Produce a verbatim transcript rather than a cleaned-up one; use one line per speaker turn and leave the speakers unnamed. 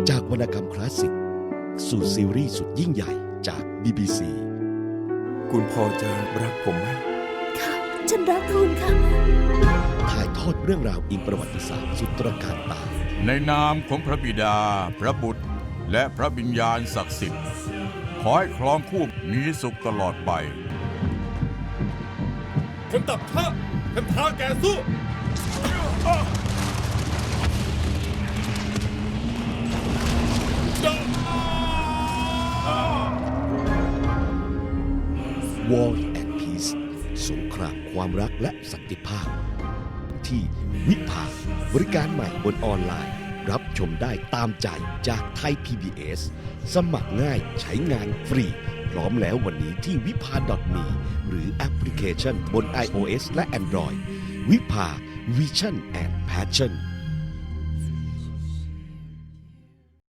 จากวรรณกรรมคลาสสิกสู่ซีรีส์สุดยิ่งใหญ่จาก บี บี ซี
คุณพอจะรักผมไหม
ค่ะ ฉันรักคุณค่ะ
ถ่ายทอดเรื่องราวอิงประวัติศาสตร์สุดตระการตา
ในนามของพระบิดา พระบุตร และพระวิญญาณศักดิ์สิทธิ์ ขอให้ครองคู่มีสุขตลอดไป
คนตับท่าคนท้าแกสู้
War and Peace สงครามความรักและสันติภาพ ที่วิภาบริการใหม่บนออนไลน์ รับชมได้ตามใจจากไทย พี บี เอส สมัครง่ายใช้งานฟรี พร้อมแล้ววันนี้ที่วิภา .me หรือแอปพลิเคชันบน iOS และ Android วิภา Vision and Passion